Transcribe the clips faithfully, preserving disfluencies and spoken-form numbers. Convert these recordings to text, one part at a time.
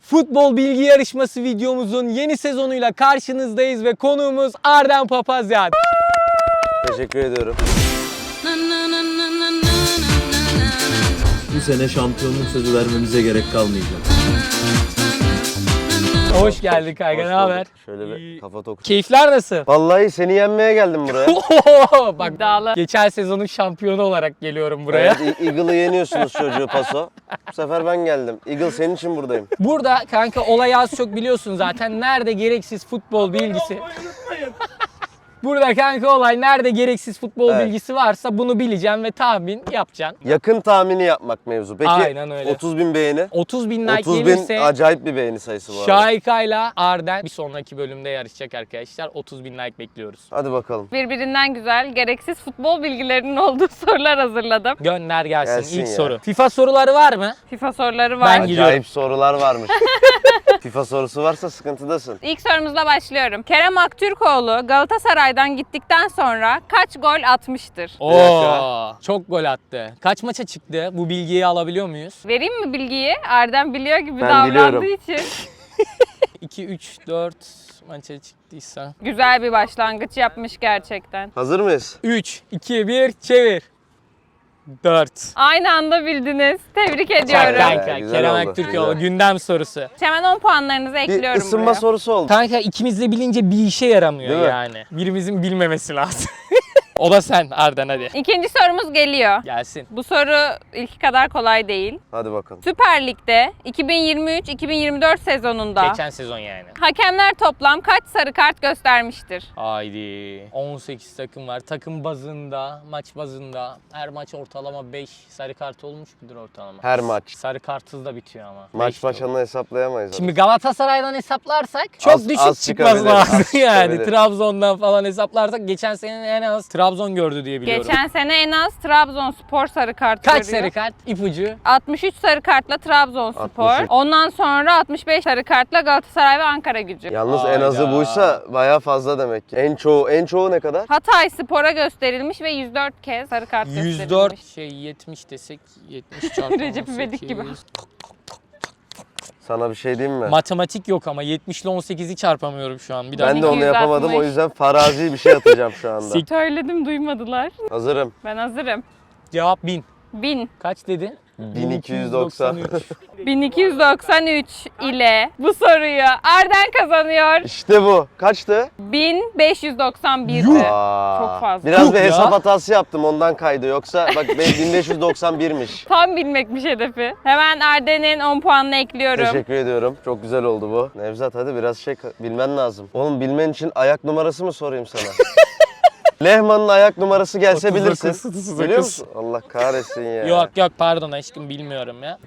Futbol bilgi yarışması videomuzun yeni sezonuyla karşınızdayız ve konuğumuz Arden Papazyan. Teşekkür ediyorum. Bu sene şampiyonluk sözü vermemize gerek kalmayacak. Hoş geldin kanka, ne haber? Şöyle bir kafa toku. Keyifler nasıl? Vallahi seni yenmeye geldim buraya. Bak, İddialı. geçen sezonun şampiyonu olarak geliyorum buraya. Evet, Eagle'ı yeniyorsunuz çocuğu paso. Bu sefer ben geldim. Eagle senin için buradayım. Burada kanka olay az çok biliyorsun zaten. Nerede gereksiz futbol bilgisi. Burada kanka olay nerede gereksiz futbol Evet. bilgisi varsa bunu bileceğim ve tahmin yapacaksın. Yakın tahmini yapmak mevzu. Peki Aynen öyle. otuz bin beğeni. otuz bin like otuz bin gelirse acayip bir beğeni sayısı bu arada. Şahika'yla Arden bir sonraki bölümde yarışacak arkadaşlar. otuz bin like bekliyoruz. Hadi bakalım. Birbirinden güzel, gereksiz futbol bilgilerinin olduğu sorular hazırladım. Gönder gelsin, Gelsin ilk ya. soru. FIFA soruları var mı? FIFA soruları var. Ben gidiyorum. Acayip sorular varmış. FIFA sorusu varsa sıkıntıdasın. İlk sorumuzla başlıyorum. Kerem Aktürkoğlu Galatasaray'dan gittikten sonra kaç gol atmıştır? Oo, dakika. çok gol attı. Kaç maça çıktı? Bu bilgiyi alabiliyor muyuz? Vereyim mi bilgiyi? Erdem biliyor gibi Ben davrandığı biliyorum. için. iki, üç, dört maça çıktıysa. Güzel bir başlangıç yapmış gerçekten. Hazır mıyız? üç, iki, bir, çevir. dört. Aynı anda bildiniz. Tebrik Çak ediyorum. kanka, Güzel Kerem oldu, Aktürkoğlu güzel. gündem sorusu. Hemen on puanlarınızı Bir ekliyorum ısınma buraya. sorusu oldu. Kanka ikimiz de bilince bir işe yaramıyor Değil mi? yani. Birimizin bilmemesi lazım. O da sen Arden, hadi. İkinci sorumuz geliyor. Gelsin. Bu soru ilki kadar kolay değil. Hadi bakalım. Süper Lig'de iki bin yirmi üç iki bin yirmi dört sezonunda Geçen sezon yani. hakemler toplam kaç sarı kart göstermiştir? Haydi. on sekiz takım var. Takım bazında, maç bazında her maç ortalama beş sarı kart olmuş mudur ortalama? Her maç. Sarı kartsız da bitiyor ama. Maç Beş de olur. başına hesaplayamayız. Şimdi Galatasaray'dan hesaplarsak çok Az- düşük az çıkması çıkabilir, lazım az yani. çıkabilir. Trabzon'dan falan hesaplarsak geçen sene en az Trabzon gördü diye biliyorum. Geçen sene en az Trabzonspor sarı kart Kaç görüyor. sarı kart? İpucu. altmış üç sarı kartla Trabzonspor. altmış üç. Ondan sonra altmış beş sarı kartla Galatasaray ve Ankara-Gücü. Yalnız en Hayda. azı buysa bayağı fazla demek ki. En çoğu en çoğu ne kadar? Hatay Spor'a gösterilmiş ve yüz dört kez sarı kart gösterilmiş. yüz dört şey yetmiş desek yetmiş çarpı Recep İvedik gibi. on sekiz. Sana bir şey diyeyim mi? Matematik yok ama yetmiş ile on sekizi çarpamıyorum şu an. Bir daha. Ben de onu iki yüz yapamadım, o altmış. yüzden farazi bir şey atacağım şu anda. Sik- Söyledim duymadılar. Hazırım. Ben hazırım. Cevap bin. bin. Kaç dedin? bin iki yüz doksan. bin iki yüz doksan üç ile bu soruyu Arden kazanıyor. İşte bu. Kaçtı? bin beş yüz doksan bir'di. Aa, Çok fazla. Biraz Yuh bir ya. hesap hatası yaptım, ondan kaydı. Yoksa bak ben bin beş yüz doksan bir'miş. Tam bilmekmiş hedefi. Hemen Arden'in on puanını ekliyorum. Teşekkür ediyorum. Çok güzel oldu bu. Nevzat hadi biraz şey bilmen lazım. Oğlum bilmen için ayak numarası mı sorayım sana? Lehman'ın ayak numarası gelse otuz dokuz, bilirsin. otuz dokuz. Biliyor musun? Allah kahretsin ya. Yok yok pardon aşkım bilmiyorum ya.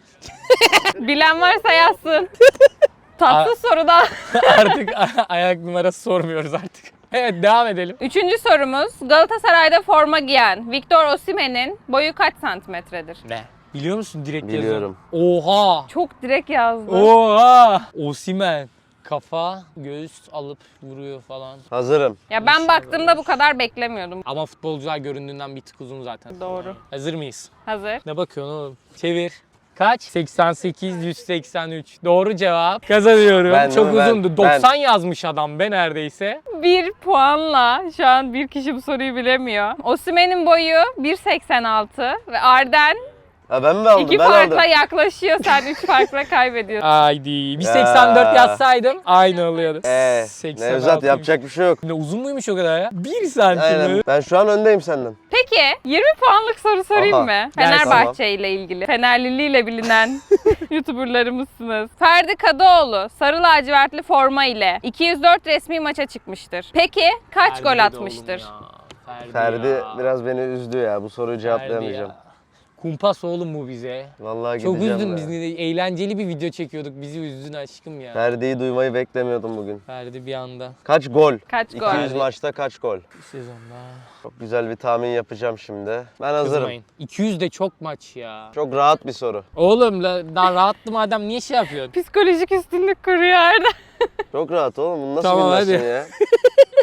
Bilen varsa yazsın. Tatlı soruda. Artık ayak numarası sormuyoruz artık. Evet devam edelim. Üçüncü sorumuz. Galatasaray'da forma giyen Victor Osimhen'in boyu kaç santimetredir? Ne? Biliyor musun direkt Biliyorum. yazın? Oha! Çok direkt yazdı. Oha! Osimhen. Kafa, göğüs alıp vuruyor falan. Hazırım. Ya ben baktığımda bu kadar beklemiyordum. Ama futbolcular göründüğünden bir tık uzun zaten. Doğru. Hazır mıyız? Hazır. Ne bakıyorsun oğlum? Çevir. Kaç? seksen sekiz yüz seksen üç. Doğru cevap. Kazanıyorum. Ben Çok mi? Ben- uzundu. doksan yazmış adam be neredeyse. Bir puanla şu an bir kişi bu soruyu bilemiyor. Osimhen'in boyu bir seksen altı ve Arden Ha ben mi aldım? iki ben farkla aldım. yaklaşıyor. Sen üç farkla kaybediyorsun. Haydi. Bir Ya. seksen dört yazsaydım aynı oluyordu. Ee, seksen Nevzat altıymış. yapacak bir şey yok. Ne uzun muymuş o kadar ya? bir santim Aynen. mi? Ben şu an öndeyim senden. Peki yirmi puanlık soru sorayım Aha. mı? Gelsin. Fenerbahçe ile ilgili. Fenerliliğiyle bilinen YouTuberlarımızsınız. Ferdi Kadıoğlu sarı lacivertli forma ile iki yüz dört resmi maça çıkmıştır. Peki kaç Ferdi gol de atmıştır? oğlum ya. Ferdi, Ferdi ya. biraz beni üzdü ya. Bu soruyu Ferdi cevaplayamayacağım. ya. Kumpas oğlum bu bize. Vallahi Çok gideceğim üzdün ya. biz de eğlenceli bir video çekiyorduk. Bizi üzdün aşkım ya. Ferdi'yi duymayı beklemiyordum bugün. Ferdi bir anda Kaç gol? Kaç gol? iki yüz maçta kaç gol? bu sezonda. Çok güzel bir tahmin yapacağım şimdi. Ben hazırım. Kızmayın. iki yüz de çok maç ya. Çok rahat bir soru. Oğlum la, daha rahattı madem niye şey yapıyorsun? Psikolojik üstünlük kuruyor Arda. Çok rahat oğlum. Bunu nasıl Tamam, bilmezsin hadi. ya?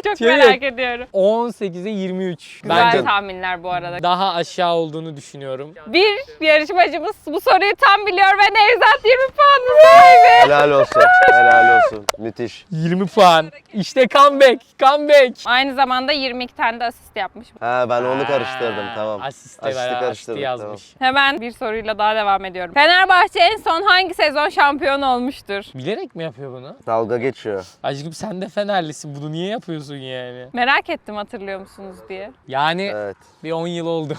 Çok Çevir. merak ediyorum. on sekize yirmi üç. Güzel Bence tahminler bu arada. daha aşağı olduğunu düşünüyorum. Bir yarışmacımız bu soruyu tam biliyor ve Nevzat yirmi puanlı sahibi. Helal olsun. Helal olsun. Müthiş. yirmi puan. İşte comeback. Comeback. Aynı zamanda yirmi iki tane de asist yapmış. Ha ben onu karıştırdım tamam. Asist de Asisti var. Asisti karıştırdım, yazmış. Hemen bir soruyla daha devam ediyorum. Fenerbahçe en son hangi sezon şampiyon olmuştur? Bilerek mi yapıyor bunu? Dalga geçiyor. Aşkım sen de Fenerlisin. Bunu niye yapıyorsun yani? Merak ettim hatırlıyor musunuz diye. Yani Evet. bir on yıl oldu.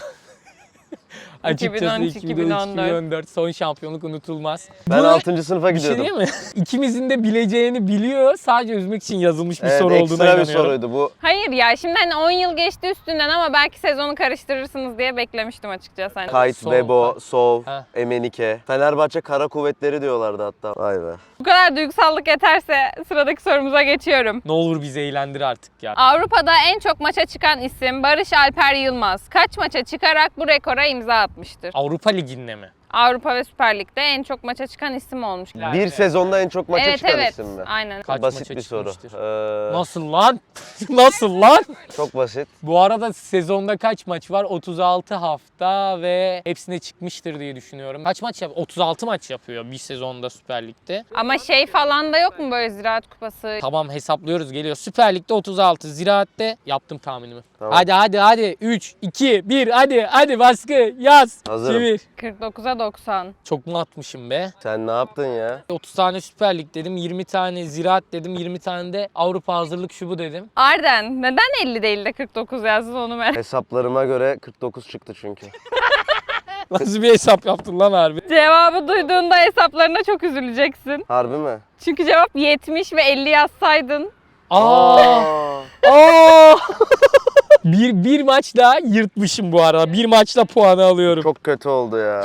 Açıkçası iki bin on üç, iki bin on üç, iki bin on dört. iki bin on dört son şampiyonluk unutulmaz. Ben Bu altıncı sınıfa bir şey gidiyordum. değil mi? İkimizin de bileceğini biliyor. Sadece üzmek için yazılmış bir Evet, soru olduğuna ekstra bir inanıyorum. soruydu bu. Hayır ya şimdi hani on yıl geçti üstünden ama belki sezonu karıştırırsınız diye beklemiştim açıkçası. Hani. Kayt, Sov, Bebo, ha. Sov, Ha. Emenike. Fenerbahçe Kara Kuvvetleri diyorlardı hatta. Vay be. Bu kadar duygusallık yeterse sıradaki sorumuza geçiyorum. Ne olur bizi eğlendir artık ya. Avrupa'da en çok maça çıkan isim Barış Alper Yılmaz. Kaç maça çıkarak bu rekora imza atmıştır? Avrupa Ligi'nde mi? Avrupa ve Süper Lig'de en çok maça çıkan isim olmuş. Bir sezonda en çok maça evet çıkan evet. isim mi? Aynen. Kaç Basit maça bir soru. çıkmıştır? Ee, Nasıl lan? Nasıl lan? çok basit. Bu arada sezonda kaç maç var? otuz altı hafta ve hepsine çıkmıştır diye düşünüyorum. Kaç maç yap? otuz altı maç yapıyor bir sezonda Süper Lig'de. Ama şey falan da yok mu böyle Ziraat Kupası? Tamam hesaplıyoruz geliyor. Süper Lig'de otuz altı, Ziraat'te yaptım tahminimi. Tamam. Hadi hadi hadi. üç, iki, bir hadi hadi baskı yaz. Hazırım. Çevir. kırk dokuza doksan. Çok mu atmışım be? Sen ne yaptın ya? otuz tane Süper Lig dedim, yirmi tane Ziraat dedim, yirmi tane de Avrupa hazırlık şubu dedim. Arden neden elli değil de kırk dokuz yazdın onu merak Hesaplarıma göre kırk dokuz çıktı çünkü. Nasıl bir hesap yaptın lan harbi? Cevabı duyduğunda hesaplarına çok üzüleceksin. Harbi mi? Çünkü cevap yetmiş ve elli yazsaydın. Aa! Aa. Aa! bir, bir maçla yırtmışım bu arada. Bir maçla puanı alıyorum. Çok kötü oldu ya.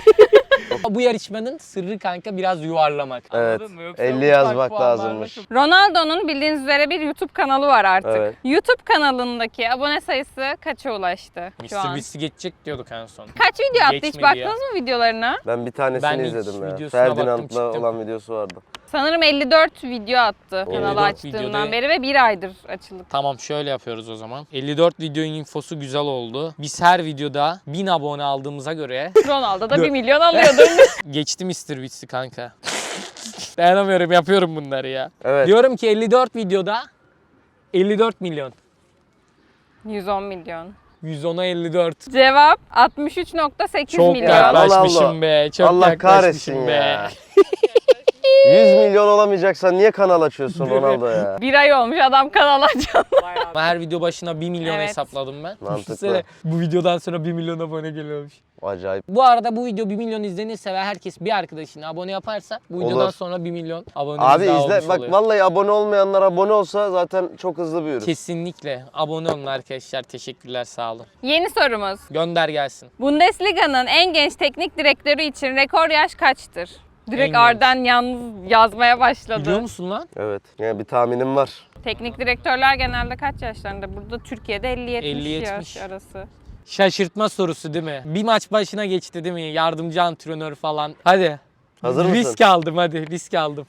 Bu yarışmanın sırrı kanka biraz yuvarlamak. Evet. Anladın mı? Yoksa elli ufak yazmak puanlarla lazımmış. çok- Ronaldo'nun bildiğiniz üzere bir YouTube kanalı var artık. Evet. YouTube kanalındaki abone sayısı kaça ulaştı şu mister an? Beast'i geçecek diyorduk en son. Kaç video attı hiç Geçmedi baktınız ya. mı videolarına? Ben bir tanesini Ben ilk izledim ya. videosuna baktım, Ferdinand'la çıktım. olan videosu vardı. Sanırım elli dört video attı elli kanalı dört açtığından videoda- beri ve bir aydır açıldı. Tamam şöyle yapıyoruz o zaman. elli dört videonun infosu güzel oldu. Biz her videoda bin abone aldığımıza göre Ronaldo da Dur. bir milyon alıyordur. geçti mister Beast'i kanka. Dayanamıyorum yapıyorum bunları ya. Evet. Diyorum ki elli dört videoda elli dört milyon. yüz on milyon. yüz ona elli dört. Cevap altmış üç nokta sekiz Çok milyon. yaklaşmışım Allah. be. Çok Allah yaklaşmışım kahretsin be. ya. yüz milyon olamayacaksan niye kanal açıyorsun Ronaldo ya? Bir ay olmuş adam kanal açan. Ama her video başına bir milyon Evet. hesapladım ben. Mantıklı. Düşünsene, bu videodan sonra bir milyon abone geliyormuş. Acayip. Bu arada bu video bir milyon izlenirse ve herkes bir arkadaşına abone yaparsa bu videodan Olur. sonra bir milyon abone Abi daha izle olmuş bak oluyor. vallahi abone olmayanlar abone olsa zaten çok hızlı büyürüz. Kesinlikle abone olun arkadaşlar. Teşekkürler sağ olun. Yeni sorumuz. Gönder gelsin. Bundesliga'nın en genç teknik direktörü için rekor yaş kaçtır? Direkt genç. Arden yalnız yazmaya başladı. Biliyor musun lan? Evet. Yani bir tahminim var. Teknik direktörler genelde kaç yaşlarında? Burada Türkiye'de elli elli yetmiş yetmiş. yaş arası. Şaşırtma sorusu değil mi? Bir maç başına geçti değil mi? Yardımcı antrenör falan. Hadi. Hazır mısın? Risk aldım hadi risk aldım.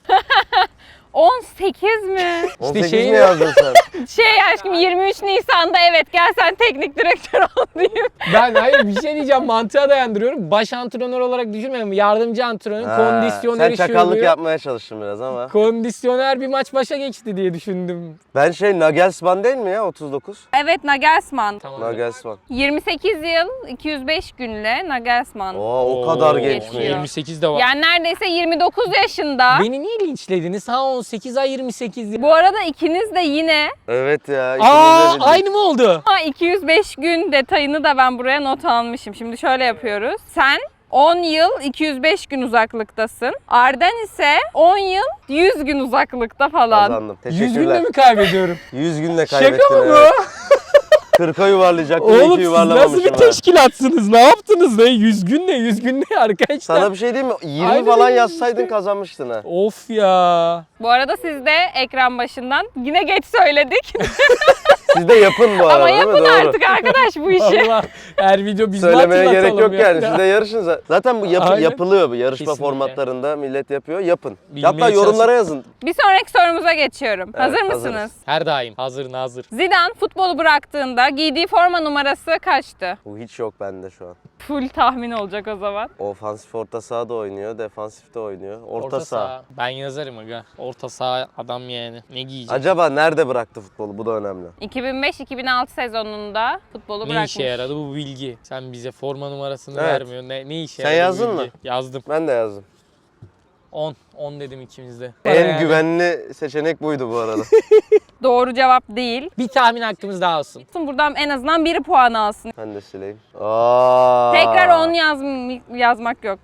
on sekiz mi? on sekiz şey- mi yazdın sen? Şey aşkım yirmi üç Nisan'da evet gel sen teknik direktör ol diyeyim. Ben hayır bir şey diyeceğim mantığa dayandırıyorum. Baş antrenör olarak düşünmüyorum. Yardımcı antrenör, Ha, kondisyoneri sen şu çakallık oluyor. yapmaya çalıştın biraz ama. Kondisyoner bir maç başa geçti diye düşündüm. Ben şey Nagelsmann değil mi ya otuz dokuz? Evet Nagelsmann. Tamam. Nagelsmann. yirmi sekiz yıl iki yüz beş günle Nagelsmann. Oo, o kadar Oo, geçmiş. yirmi sekiz de var. Yani neredeyse yirmi dokuz yaşında. Beni niye linçlediniz? Ha on sekiz ay yirmi sekiz yıl. Bu arada ikiniz de yine Evet ya. ikimiz de Aa bildik. aynı mı oldu? ha, iki yüz beş gün detayını da ben buraya not almışım. Şimdi şöyle yapıyoruz. Sen on yıl iki yüz beş gün uzaklıktasın. Arden ise on yıl yüz gün uzaklıkta falan. Kazandım. yüz günde Teşekkürler. mi kaybediyorum? yüz günde kaybettin. Şaka mı bu? evet. kırka yuvarlayacaktım. Oğlum iki siz yuvarlamamışım. nasıl bir ha. teşkilatsınız? Ne yaptınız ne? yüz gün ne? yüz gün ne arkadaşlar? Sana bir şey diyeyim mi? yirmi Aynen falan öyle yazsaydın işte. kazanmıştın ha. Of ya. Bu arada siz de ekran başından yine geç söyledik. Siz de yapın bu arada Ama değil mi? yapın Doğru. artık arkadaş bu işi. Allah her video biz Söylemeye mi gerek hatırlatalım yok yani. ya? Siz de yarışın zaten. Zaten bu yapı- Aynen. yapılıyor bu yarışma Kesinlikle. formatlarında millet yapıyor. Yapın. Bilmeye Hatta yorumlara yazın. Bir sonraki sorumuza geçiyorum. Evet, Hazır hazırız. mısınız? Her daim. Hazır nazır. Zidane futbolu bıraktığında giydiği forma numarası kaçtı? Bu hiç yok bende şu an. Full tahmin olacak o zaman. Ofansif orta sahada oynuyor, defansifte oynuyor. Orta, saha. Ben yazarım aga. Orta saha adam yani. Ne giyecek? Acaba nerede bıraktı futbolu? Bu da önemli. iki bin beş iki bin altı sezonunda futbolu Ne bırakmış. işe yaradı bu bilgi? Sen bize forma numarasını Evet. vermiyorsun. Ne, ne işe Sen yaradı bu yazdın bilgi? mı? Yazdım. Ben de yazdım. on. on dedim ikimiz de. En Yani güvenli seçenek buydu bu arada. Doğru cevap değil. bir tahmin hakkımız daha olsun. Buradan en azından biri puan alsın. Ben de sileyim. Aa. Tekrar on yaz yazmak yok.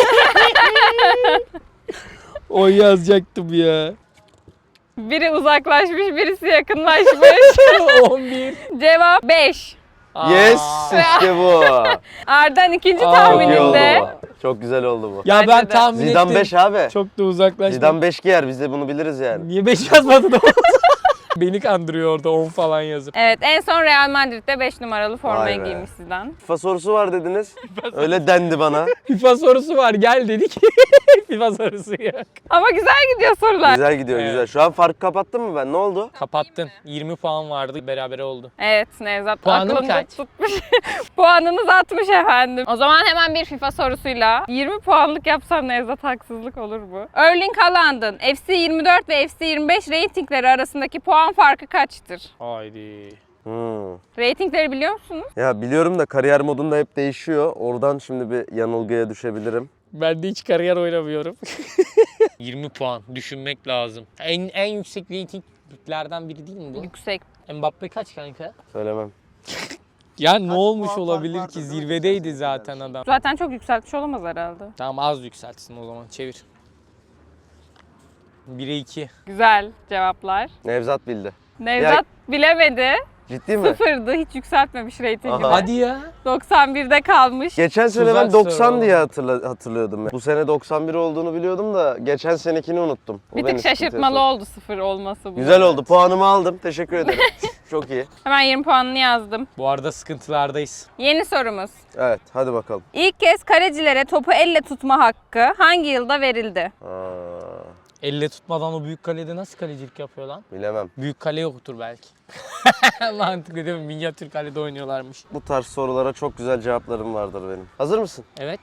O yazacaktım ya. Biri uzaklaşmış, birisi yakınlaşmış. on bir. Cevap beş. Yes, işte bu. Arden ikinci Aa, Çok iyi oldu tahmininde. bu. Çok güzel oldu bu. Ya Bence ben de. tahmin Zidane ettim. beş abi. Çok da uzaklaştım. Zidane beş giyer, biz de bunu biliriz yani. Niye beş yazmadın o? Beni kandırıyor orada on falan yazıp. Evet, en son Real Madrid'de beş numaralı formayı Vay be. giymiş Zidane. FIFA sorusu var dediniz. Öyle dendi bana. FIFA sorusu var gel dedik. FIFA sorusu yok. Ama güzel gidiyor sorular. Güzel gidiyor Evet. güzel. Şu an farkı kapattın mı ben? Ne oldu? Kapattın. yirmi puan vardı. Berabere oldu. Evet, Nevzat Puanım aklında kaç? tutmuş. Puanınız altmış efendim. O zaman hemen bir FIFA sorusuyla yirmi puanlık yapsam Nevzat haksızlık olur bu. Erling Haaland'ın F C yirmi dört ve F C yirmi beş reytingleri arasındaki puan farkı kaçtır? Haydi. Hmm. Reytingleri biliyor musunuz? Ya biliyorum da kariyer modunda hep değişiyor. Oradan şimdi bir yanılgıya düşebilirim. Ben de hiç kariyer oynamıyorum. yirmi puan. Düşünmek lazım. En en yüksek reytinglerden biri değil mi bu? Yüksek. Mbappe kaç kanka? Söylemem. Ya ne olmuş olabilir ki? Zirvedeydi zaten adam. Zaten çok yükseltmiş olamaz herhalde. Tamam az yükseltsin o zaman. Çevir. bire iki. Güzel cevaplar. Nevzat bildi. Nevzat bilemedi. Ciddi mi? Sıfırdı. Hiç yükseltmemiş reytingini. Aha. Hadi ya. doksan birde kalmış. Geçen sene Tuzak ben doksan soru diye hatırla- hatırlıyordum. Ya. Bu sene doksan bir olduğunu biliyordum da geçen senekini unuttum. O Bir beni tık sıkıntıya şaşırtmalı soktu. oldu sıfır olması bu. Güzel oldu. Puanımı aldım. Teşekkür ederim. Çok iyi. Hemen yirmi puanını yazdım. Bu arada sıkıntılardayız. Yeni sorumuz. Evet, hadi bakalım. İlk kez kalecilere topu elle tutma hakkı hangi yılda verildi? Aa, Elle tutmadan o büyük kalede nasıl kalecilik yapıyor lan? bilemem. Büyük kale yoktur belki. Mantıklı değil mi? Minyatür kalede oynuyorlarmış. Bu tarz sorulara çok güzel cevaplarım vardır benim. Hazır mısın? Evet.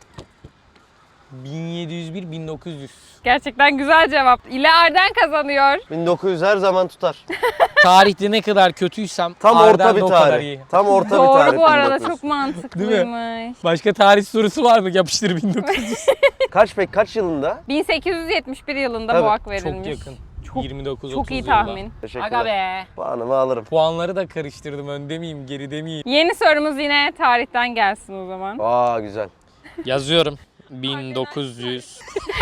bin yedi yüz bir bin dokuz yüz. Gerçekten güzel cevap. İle Arden kazanıyor. bin dokuz yüz her zaman tutar. Tarihte ne kadar kötüysem Tam Arden orta de bir o kadar tarih. iyi. Tam orta bir Doğru tarih. bu arada bin dokuz yüz. çok mantıklıymış. Başka tarih sorusu var mı? Yapıştır bin dokuz yüz. Kaç peki kaç yılında? bin sekiz yüz yetmiş bir yılında Tabii, bu hak Çok verilmiş. yakın. Çok- yirmi dokuz Çok otuz iyi yılda. tahmin. Aga Teşekkürler. be. Puanımı alırım. Puanları da karıştırdım. Önde miyim, geride miyim? Yeni sorumuz yine tarihten gelsin o zaman. Aa güzel. Yazıyorum. bin dokuz yüz.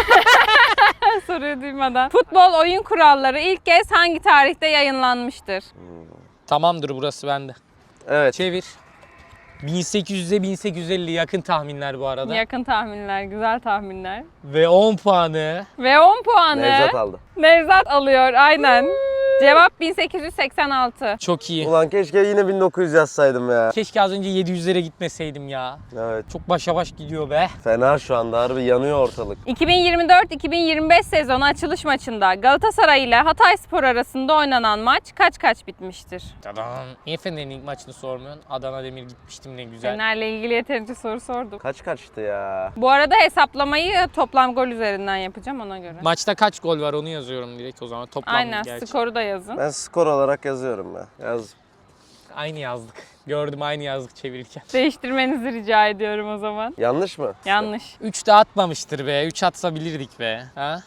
Soruyu duymadan. Futbol oyun kuralları ilk kez hangi tarihte yayınlanmıştır? Tamamdır burası bende. Evet. Çevir. bin sekiz yüze bin sekiz yüz elli yakın tahminler bu arada. Yakın tahminler, güzel tahminler. Ve on puanı. Ve on puanı Nevzat aldı. Nevzat alıyor aynen. Cevap bin sekiz yüz seksen altı. Çok iyi. Ulan keşke yine bin dokuz yüz yazsaydım ya. Keşke az önce yedi yüzlere gitmeseydim ya. Evet. Çok başa baş gidiyor be. Fena şu anda harbi yanıyor ortalık. iki bin yirmi dört iki bin yirmi beş sezonu açılış maçında Galatasaray ile Hatayspor arasında oynanan maç kaç kaç bitmiştir? Tadam. Niye Fener'in ilk maçını sormuyorsun? Adana Demir gitmiştim ne güzel. Fener'le ilgili yeterince soru sordum. Kaç kaçtı ya? Bu arada hesaplamayı toplam gol üzerinden yapacağım ona göre. Maçta kaç gol var onu yazıyorum direkt o zaman. Toplam Aynen gerçi. skoru da yazın. Ben skor olarak yazıyorum ya. Yaz. Aynı yazdık. Gördüm aynı yazdık çevirirken. Değiştirmenizi rica ediyorum o zaman. Yanlış mı? Yanlış. üç de atmamıştır be. üç atsa bilirdik be. Ha?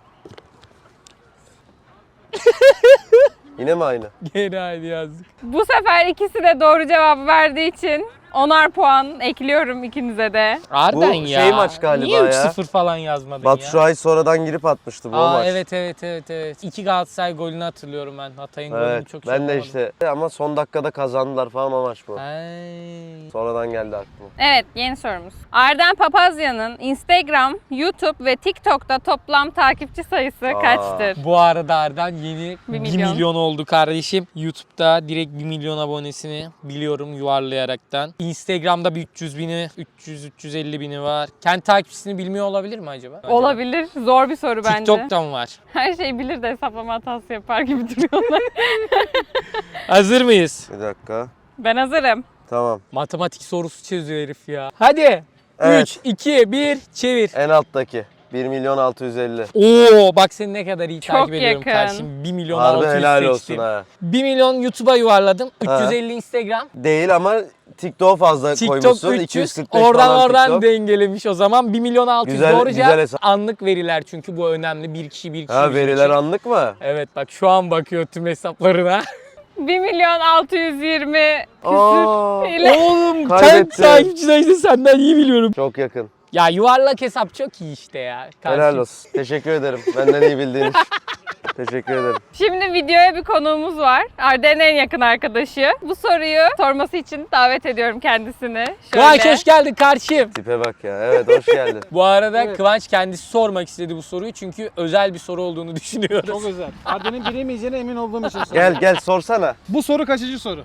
Yine mi aynı? Gene aynı yazdık. Bu sefer ikisi de doğru cevabı verdiği için onar puan ekliyorum ikinize de. Arden Bu ya. şey maç galiba Niye ya. üç sıfır falan yazmadın Batu ya? Şuay sonradan girip atmıştı bu o Aa maç. evet evet evet evet. İki Galatasaray golünü hatırlıyorum ben. Hatay'ın golünü Evet, çok ben de şey işte ama son dakikada kazandılar falan o maç bu. Ay. Sonradan geldi aklıma. Evet, yeni sorumuz. Arden Papazya'nın Instagram, YouTube ve TikTok'ta toplam takipçi sayısı Aa. kaçtır? Bu arada Arden yeni Bir bir milyon. milyon. oldu kardeşim. YouTube'da direkt bir milyon abonesini biliyorum yuvarlayaraktan. Instagram'da bir üç yüz bini, üç yüz üç yüz elli bini var. Kendi takipçisini bilmiyor olabilir mi acaba? acaba? Olabilir. Zor bir soru bence. TikTok'ta mı var? Her şeyi bilir de hesaplama hatası yapar gibi duruyorlar. Hazır mıyız? Bir dakika. Ben hazırım. Tamam. Matematik sorusu çözüyor herif ya. Hadi. Evet. üç, iki, bir, çevir. En alttaki. bir milyon altı yüz elli. Oo bak seni ne kadar iyi Çok takip ediyorum yakın. kardeşim. bir milyon Harbi altı yüz helal olsun seçtim. ha. bir milyon YouTube'a yuvarladım. üç yüz elli Instagram. Değil ama TikTok fazla TikTok koymuşsun. üç yüz. iki yüz kırk beş Oradan falan oradan TikTok. dengelemiş o zaman. bir milyon altı yüz Güzel- doğru güzel cevap. hesap. Anlık veriler çünkü bu önemli. Bir kişi bir kişi. Ha bir veriler kişi. anlık mı? Evet bak şu an bakıyor tüm hesaplarına. bir milyon altı yüz yirmi Aa, küsür ile. Oğlum sen Kaybettim. takipçiler işte senden iyi biliyorum. çok yakın. Ya yuvarlak hesap çok iyi işte ya. Helal Kardeşim. olsun. Teşekkür ederim. Benden iyi bildiğin için. Teşekkür ederim. Şimdi videoya bir konuğumuz var. Arda'nın en yakın arkadaşı. Bu soruyu sorması için davet ediyorum kendisini. Kıvanç Şöyle. hoş geldin kardeşim. Tipe bak ya. Evet hoş geldin. Bu arada Kıvanç kendisi sormak istedi bu soruyu çünkü özel bir soru olduğunu düşünüyoruz. Çok özel. Arda'nın bilemeyeceğine emin olduğum için soruyorum. Gel gel sorsana. Bu soru kaçıncı soru?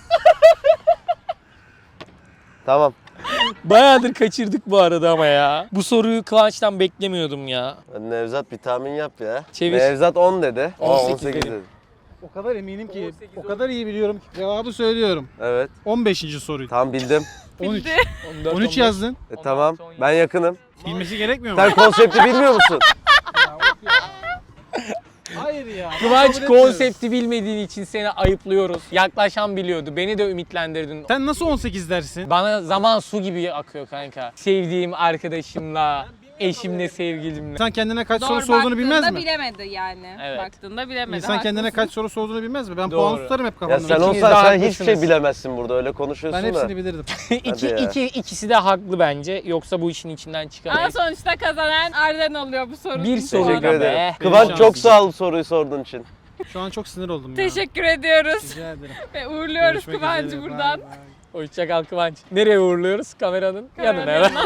Tamam. Bayağıdır kaçırdık bu arada ama ya. Bu soruyu Kıvanç'tan beklemiyordum ya. Nevzat bir tahmin yap ya. Çevir. Nevzat on dedi. Aa, on on sekiz sekiz dedi. dedi. O kadar eminim ki, o kadar iyi biliyorum ki cevabı söylüyorum. Evet. on beşinci soruydu. Tam bildim. on üç. Bildi. on dört, on üç on beş. yazdın. E, tamam. Ben yakınım. Bilmesi gerekmiyor mu? Sen konsepti bilmiyor musun? Hayır ya. ben Kıvanç kabul etmiyorum. konsepti bilmediğin için seni ayıplıyoruz. Yaklaşan biliyordu. Beni de ümitlendirdin. Sen nasıl on sekiz dersin? Bana zaman su gibi akıyor kanka. Sevdiğim arkadaşımla, eşimle, sevgilimle. İnsan kendine kaç Doğru soru sorduğunu bilmez baktığında mi? bilemedi yani. Evet. Baktığında bilemedi. İnsan kendine haklısın. kaç soru sorduğunu bilmez mi? Ben Doğru. puan tutarım hep Ya kafamda. sen İkiniz olsan de sen hiçbir haklısınız. şey bilemezsin burada. Öyle konuşuyorsun Ben da. hepsini bilirdim. iki, ya. iki, ikisi de haklı bence. Yoksa bu işin içinden Ama çıkamayız. sonuçta kazanan Arden oluyor bu sorunun. Bir soru Teşekkür Sonra ederim. be. Kıvanç Benim çok şansım. sağ ol soruyu sorduğun için. Şu an çok sinir oldum ya. Teşekkür ediyoruz. Rica ederim. Ve uğurluyoruz Görüşmek Kıvancı üzere. buradan. Bay bay. Hoşça kal Kıvanç. Nereye uğurluyoruz? Kameranın Kameranın yanına. yanına.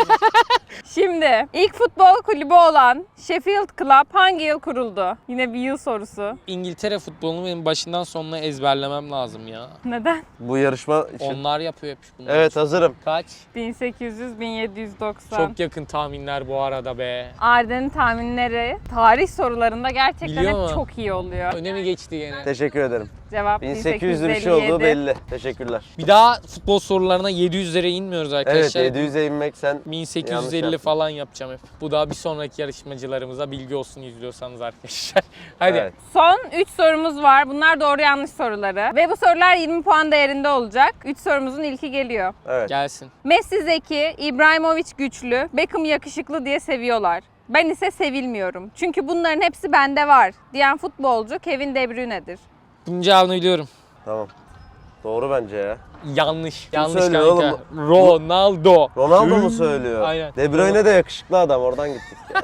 Şimdi ilk futbol kulübü olan Sheffield Club hangi yıl kuruldu? Yine bir yıl sorusu. İngiltere futbolunu benim başından sonuna ezberlemem lazım ya. Neden? Bu yarışma için. Onlar yapıyor hep bunları. Evet hazırım. Kaç? bin sekiz yüz bin yedi yüz doksan. Çok yakın tahminler bu arada be. Arden'in tahminleri tarih sorularında gerçekten Biliyor hep mu? çok iyi oluyor. Önemi geçti gene. Teşekkür ederim. Cevap bin sekiz yüzlü bir şey olduğu bin sekiz yüz elli yedi. belli. Teşekkürler. Bir daha futbol sorularına yedi yüzlere inmiyoruz Evet arkadaşlar. yedi yüze inmek sen bin yanlış sekiz yüz elli yaptın. falan yapacağım hep. Bu da bir sonraki yarışmacılarımıza bilgi olsun izliyorsanız arkadaşlar. Hadi. Evet. Son üç sorumuz var. Bunlar doğru yanlış soruları. Ve bu sorular yirmi puan değerinde olacak. üç sorumuzun ilki geliyor. Evet. Gelsin. Messi zeki, İbrahimovic güçlü, Beckham yakışıklı diye seviyorlar. Ben ise sevilmiyorum. Çünkü bunların hepsi bende var diyen futbolcu Kevin De Bruyne'dir. Bunun cevabını biliyorum. Tamam. Doğru bence ya. Yanlış. Yanlış söylüyor kanka. oğlum? Ronaldo. Ronaldo mu söylüyor? Aynen. De Bruyne de yakışıklı adam. Oradan gittik. Ya.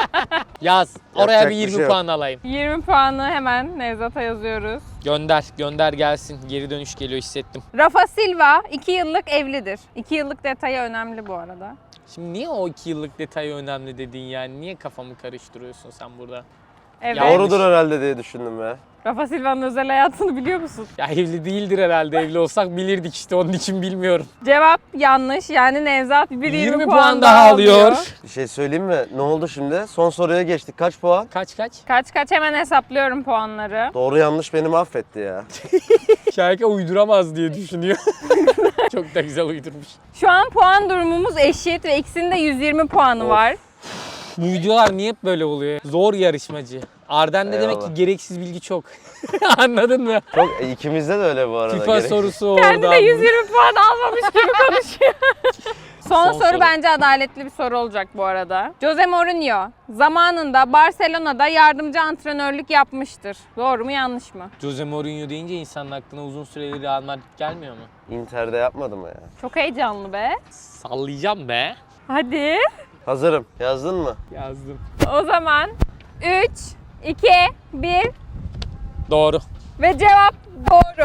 Yaz. Oraya Yapacak bir bir yirmi şey yok. puan alayım. yirmi puanı hemen Nevzat'a yazıyoruz. Gönder. Gönder gelsin. Geri dönüş geliyor hissettim. Rafa Silva iki yıllık evlidir. iki yıllık detayı önemli bu arada. Şimdi niye o iki yıllık detayı önemli dedin yani? Niye kafamı karıştırıyorsun sen burada? Evet. Yanlış. Doğrudur herhalde diye düşündüm ya. Rafa Silva'nın özel hayatını biliyor musun? Ya evli değildir herhalde. Evli olsak bilirdik işte. Onun için bilmiyorum. Cevap yanlış. Yani Nevzat bir yirmi, yirmi puan, puan daha alıyor. Bir şey söyleyeyim mi? Ne oldu şimdi? Son soruya geçtik. Kaç puan? Kaç kaç? Kaç kaç hemen hesaplıyorum puanları. Doğru yanlış beni mahvetti ya. Şarkı uyduramaz diye düşünüyor. Çok da güzel uydurmuş. Şu an puan durumumuz eşit ve ikisinin de yüz yirmi puanı Of. var. Bu videolar niye hep böyle oluyor? Zor yarışmacı. Arden'de demek ki Eyvallah. gereksiz bilgi çok. Anladın mı? Çok e, ikimizde de öyle bu arada. FIFA Gerek- sorusu Kendi de oradan. yüz yirmi puan almamış gibi konuşuyor. Son, Son soru, soru. bence adaletli bir soru olacak bu arada. Jose Mourinho zamanında Barcelona'da yardımcı antrenörlük yapmıştır. Doğru mu yanlış mı? Jose Mourinho deyince insanın aklına uzun süreli Real Madrid gelmiyor mu? Inter'de yapmadı mı ya? Çok heyecanlı be. Sallayacağım be. Hadi. Hazırım. Yazdın mı? Yazdım. O zaman üç, iki, bir Doğru. ve cevap doğru. Ne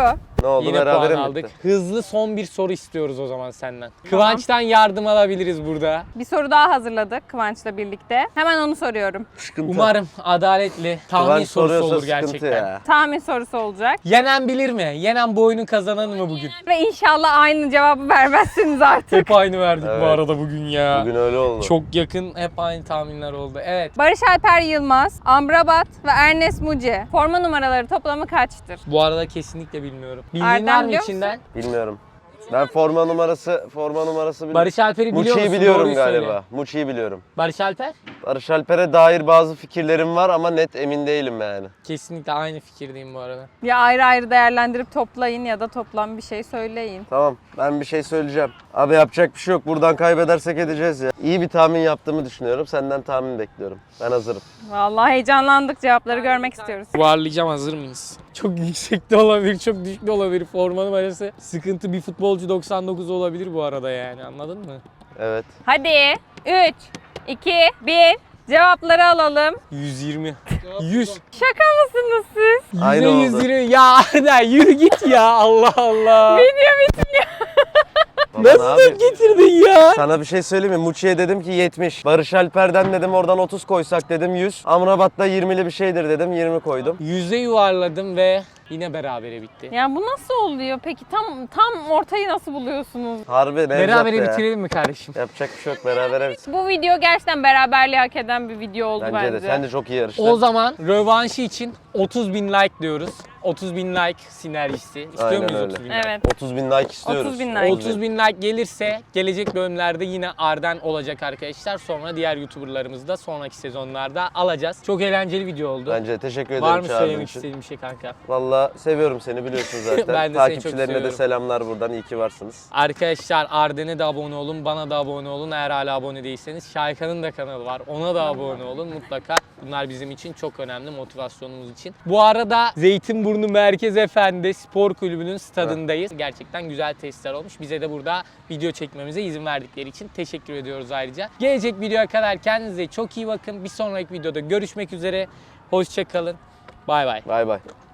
Ne oldu, Yine berabere puan mi aldık. bitti? Hızlı son bir soru istiyoruz o zaman senden. Kıvanç'tan yardım alabiliriz burada. Bir soru daha hazırladık Kıvanç'la birlikte. Hemen onu soruyorum. Sıkıntı. Umarım adaletli tahmin Kıvanç sorusu soruyorsa olur sıkıntı gerçekten. ya. Tahmin sorusu olacak. Yenen bilir mi? Yenen bu oyunun kazananı mı bugün? Ve inşallah aynı cevabı vermezsiniz artık. Hep aynı verdik bu Evet. arada bugün ya. Bugün öyle oldu. Çok yakın, hep aynı tahminler oldu. Evet. Barış Alper Yılmaz, Amrabat ve Ernest Muci. Forma numaraları toplamı kaçtır? Bu arada kesinlikle bilmiyorum. Bildiğin Erdem var mı biliyor içinden? Bilmiyorum. Ben forma numarası forma numarası biliyorum. Barış Alper'i biliyor Muçi'yi musun? biliyorum Doğruyu galiba. söyle. Muçi'yi biliyorum. Barış Alper? Barış Alper'e dair bazı fikirlerim var ama net emin değilim yani. Kesinlikle aynı fikirdeyim bu arada. Ya ayrı ayrı değerlendirip toplayın ya da toplam bir şey söyleyin. Tamam, ben bir şey söyleyeceğim. Abi yapacak bir şey yok. Buradan kaybedersek edeceğiz ya. İyi bir tahmin yaptığımı düşünüyorum. Senden tahmin bekliyorum. Ben hazırım. Vallahi heyecanlandık, cevapları görmek istiyoruz. Yuvarlayacağım, hazır mıyız? Çok yüksek de olabilir, çok düşük de olabilir. Forma numarası sıkıntı, bir futbolcu doksan dokuz olabilir bu arada yani, anladın mı? Evet. Hadi üç, iki, bir cevapları alalım. yüz yirmi. yüz. Şaka mısınız siz? Aynı yüze oldu. yüz yirmi. Ya Arda yürü git ya, Allah Allah. Video bitmiyor. Baba, ne Nasıl yapayım? getirdin ya? Sana bir şey söyleyeyim mi? Muçi'ye dedim ki yetmiş. Barış Alper'den dedim oradan otuz koysak dedim yüz. Amrabat'ta yirmili bir şeydir dedim, yirmi koydum. Yüze yuvarladım ve yine berabere bitti. Ya bu nasıl oluyor peki? Tam tam ortayı nasıl buluyorsunuz? Harbi Nevzat Berabere ya. bitirelim mi kardeşim? Yapacak bir şey yok, berabere bitsin. Bu video gerçekten beraberliği hak eden bir video oldu Bence bence. de. Sen de çok iyi yarıştın. O zaman rövanşı için otuz bin like diyoruz. otuz bin like sinerjisi. İstiyor Aynen muyuz öyle. otuz bin like? Evet. otuz bin like istiyoruz. otuz bin like. otuz bin like gelirse gelecek bölümlerde yine Arden olacak arkadaşlar. Sonra diğer YouTuber'larımızı da sonraki sezonlarda alacağız. Çok eğlenceli video oldu. Bence de teşekkür ederim Var mı çağırdığın söylemek için. istediğin bir şey kanka? Valla seviyorum seni, biliyorsun zaten. Ben de seni çok Takipçilerine de seviyorum. selamlar buradan. İyi ki varsınız. Arkadaşlar Arden'e de abone olun, bana da abone olun. Eğer hala abone değilseniz Şaykan'ın da kanalı var. Ona da abone olun mutlaka. Bunlar bizim için çok önemli, motivasyonumuz için. Bu arada Zeytinburnu Merkez Efendi Spor Kulübü'nün stadındayız. Gerçekten güzel testler olmuş. Bize de burada video çekmemize izin verdikleri için teşekkür ediyoruz ayrıca. Gelecek videoya kadar kendinize çok iyi bakın. Bir sonraki videoda görüşmek üzere. Hoşça kalın. Bay bay. Bay bay.